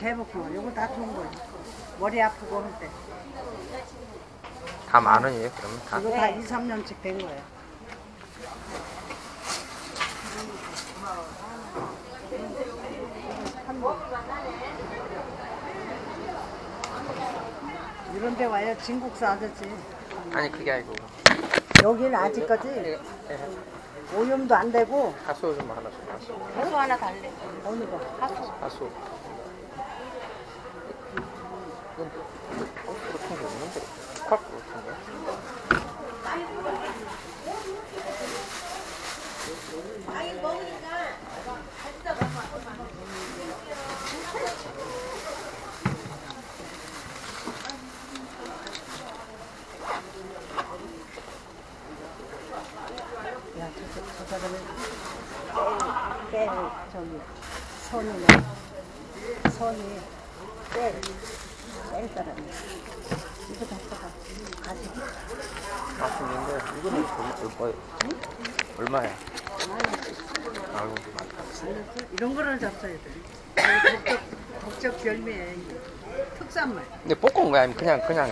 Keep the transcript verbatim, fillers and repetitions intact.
배고프면 요거 다 좋은 거예요. 머리 아프고 할 때. 다 만 원이에요, 그러면 다. 이거 다 이, 삼 년씩 된 거예요. 이런 데 와야 진국사 아저씨. 아니, 그게 아니고. 여기는 아직까지 예, 오염도 안 되고 하수 좀 하나씩, 하수. 하수 하나 달래. 어느 거? 하수. 하수. 이건 호수로 튼게 없는데. 컵으로 튼 거야? 야, 저, 저, 저 사람은 깨, 깨, 저기, 손이네. 손이 깨, 깰 사람이야. 이거 갖다가 가지고. 맛있는데, 이거는 얼마, 얼마예요? 얼마야? 아이고, 많다. 이런 거를 잡숴야 돼. 이거 덕적, 덕적 열매야, 이게. 특산물. 근데 볶은 거야? 아니면 그냥, 그냥